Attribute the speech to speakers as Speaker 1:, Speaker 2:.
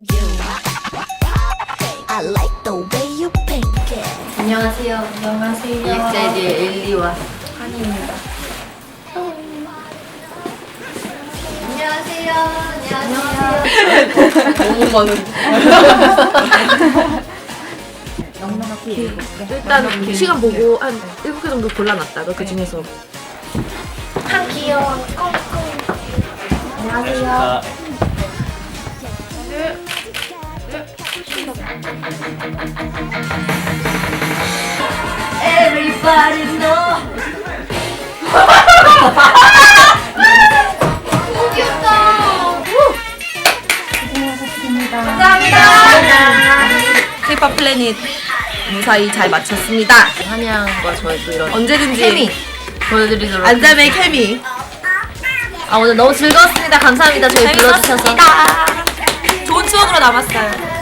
Speaker 1: I like the way you pink it.
Speaker 2: 안녕하세요.
Speaker 3: 안녕하세요.
Speaker 2: EXID의 엘리와
Speaker 3: 한이입니다.
Speaker 2: 안녕하세요. 안녕하세요.
Speaker 3: 너무 많은.
Speaker 4: 일단 시간 보고 한 7개 정도 골라놨다가 그 중에서
Speaker 1: 한 귀여운 꽁꽁. 안녕하세요.
Speaker 2: Everybody know.
Speaker 4: K-pop 플래닛 무사히 잘 마쳤습니다.
Speaker 2: 한양과 저의 또 이런
Speaker 4: 언제든지
Speaker 2: 케미 보여드리도록
Speaker 4: 안잠의 케미.
Speaker 2: 오늘 너무 즐거웠습니다. 감사합니다. 저희 불러주셔서.
Speaker 4: 좋은 추억으로 남았어요.